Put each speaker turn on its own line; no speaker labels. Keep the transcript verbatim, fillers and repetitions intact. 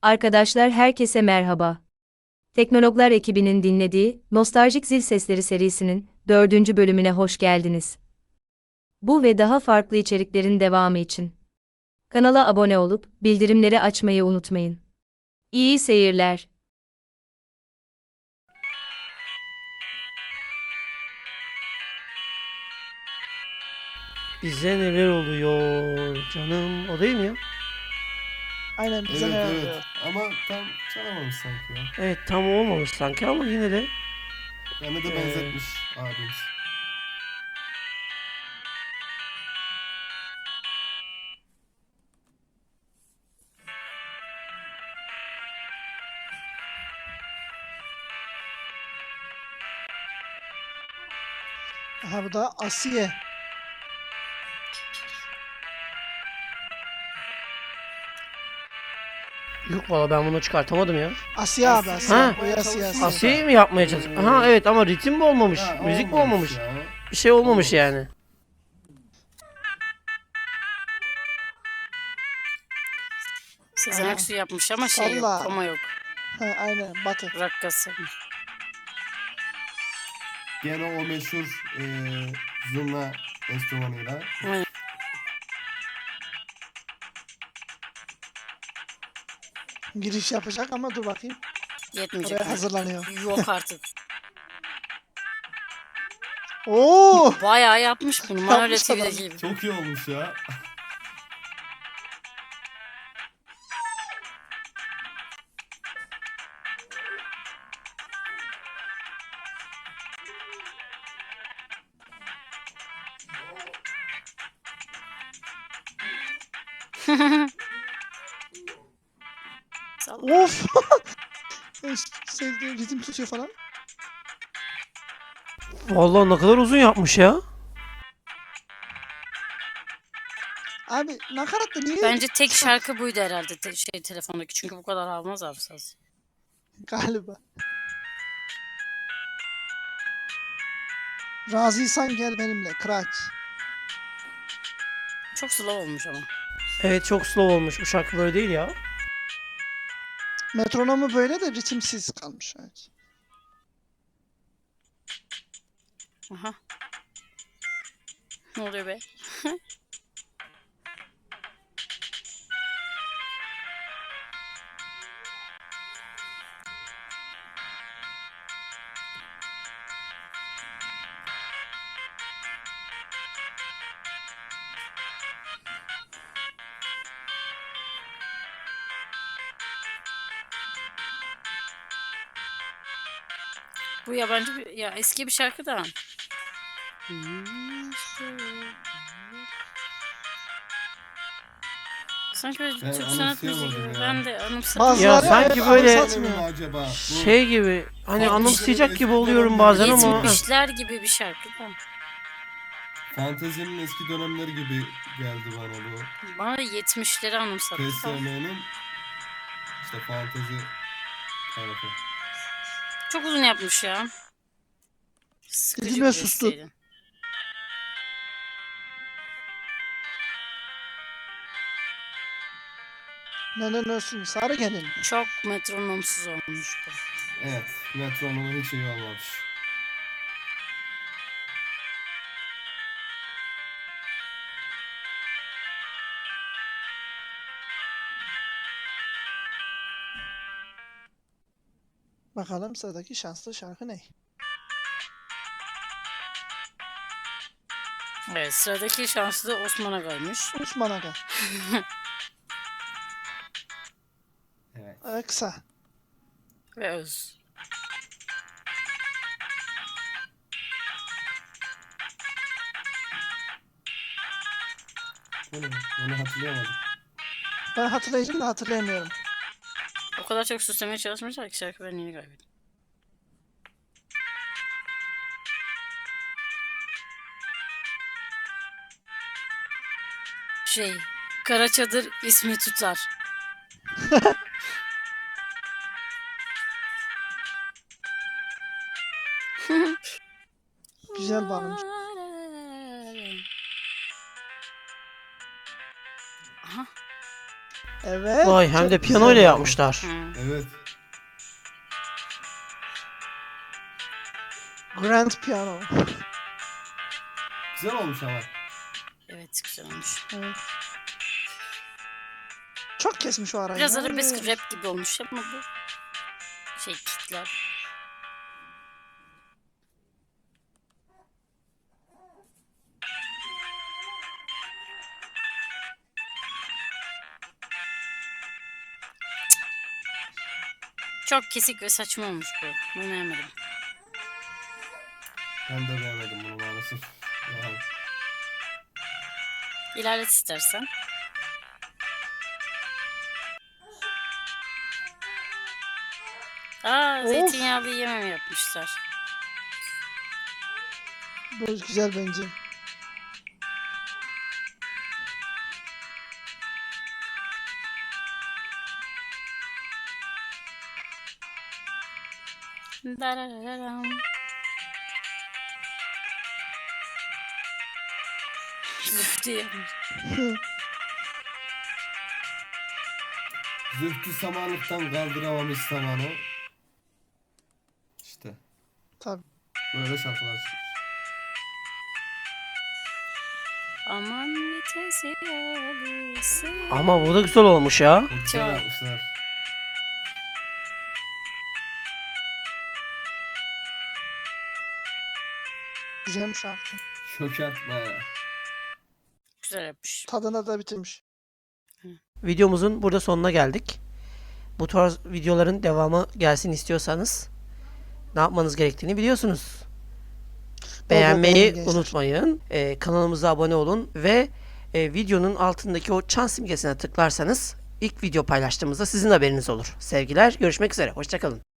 Arkadaşlar herkese merhaba. Teknologlar ekibinin dinlediği Nostaljik Zil Sesleri serisinin dördüncü bölümüne hoş geldiniz. Bu ve daha farklı içeriklerin devamı için kanala abone olup bildirimleri açmayı unutmayın. İyi seyirler.
Bize neler oluyor canım? O değil mi ya?
Aynen bize
Evet
ne
evet
oluyor?
ama tam çalamamış sanki ya.
Evet, tam olmamış sanki ama yine de.
Yani de
Ee,
benzetmiş abimiz.
Aha bu da Asiye.
Yok valla ben bunu çıkartamadım ya.
Asiye abi Asiye.
Ha.
O Asiye Asiye.
Asiye'yi mi yapmaya çalıştık? Aha evet ama ritim mi olmamış?
Ha,
Müzik mi olmamış?
ya.
Bir şey olmamış
Olmamış.
yani.
Sezen
Aha.
Aksu yapmış ama şey yok,
Salla.
koma yok.
Ha, aynen Batı.
Rakkası.
Gene o meşhur e, zurna enstrümanıyla.
Aynen.
Giriş yapacak ama dur bakayım.
Yetmeyecek.
Oraya
mi?
hazırlanıyor.
Yok artık.
Oo!
Bayağı yapmış bunu. Manolya
Yapmış adam.
T V'deki gibi.
Çok iyi olmuş ya.
Salla.
Of! Sevdiğim ritim tutuyor falan.
Vallahi ne kadar uzun yapmış ya.
Abi nakarat da niye?
Bence tek şarkı buydu herhalde te- şey telefondaki. Çünkü bu kadar almaz abi saz.
Galiba. Razıysan gel benimle. Kıraç.
Çok slow olmuş ama.
Evet çok slow olmuş. Bu şarkı böyle değil ya.
Metronomu böyle de ritimsiz kalmış. Evet.
Aha. Ne oluyor be? Bu yabancı bir, ya eski bir şarkı da. Sanki böyle
Ben
Türk sanat müziği
anımsayamadım
gibi.
ya.
Ben de anımsadım.
Bazıları
Ya
evet,
sanki
abi
böyle-
satmıyor.
Mi acaba? Bu
Şey gibi hani
Farklı
anımsayacak
şeyler
gibi
eski
oluyorum
dönemler
bazen ama.
Yetmişler gibi bir şarkı da.
fantezinin eski dönemleri gibi geldi bana bu.
Bana da yetmişleri anımsattı.
P S M'nin işte fantezi tarafı.
Çok uzun yapmış ya. Sıkıcı
Dilime
bir
sustu.
besteydi.
Ne ne ne sarı gelin.
Çok metronomsuz olmuş bu.
Evet, metronomun hiç iyi olmamış.
Bakalım sıradaki şanslı şarkı ne?
Evet, sıradaki şanslı da Osman Aga'ymış.
Osman Aga.
Evet.
Ee, kısa.
Ve Öz.
Bu ne? Onu hatırlayamadım.
Ben hatırlayacağım da hatırlayamıyorum.
O kadar çok süslemeye çalışmışlar ki şarkı benliğini kaybetti. Şey, Kara Çadır ismi tutar.
Güzel bağlamış.
Aha.
Evet.
Vay hem
çok
de
güzel.
piyano ile yapmışlar.
Hı.
Evet.
Grand piano.
Güzel olmuş ama.
Evet güzel olmuş.
Evet. Çok kesmiş o arayı.
Biraz
ya.
arabesk rap gibi olmuş ama bu şey kitler. Çok kesik ve saçma olmuş bu. Bunu beğenmedim.
Ben de beğenmedim bunu maalesef. Yani.
İlerlet istersen. Aa,
Of.
zeytinyağlı yemem yapmışlar.
Bu güzel bence.
Darararam. Zıp diye.
Zühtü samanlıktan kaldıramamış samanı. İşte.
Tabii.
Böyle şarkılar çıkmış.
Aman vitesi yalısı.
Ama bu da güzel olmuş ya.
Çok güzel
Çok.
yapmışlar.
Güzel şarkı.
Çökertme.
Güzel yapmış.
Tadına da bitirmiş.
Videomuzun burada sonuna geldik. Bu tarz videoların devamı gelsin istiyorsanız ne yapmanız gerektiğini biliyorsunuz. Beğenmeyi
beğenin gençler.
unutmayın. Ee, kanalımıza abone olun ve e, videonun altındaki o çan simgesine tıklarsanız ilk video paylaştığımızda sizin haberiniz olur. Sevgiler, görüşmek üzere. Hoşça kalın.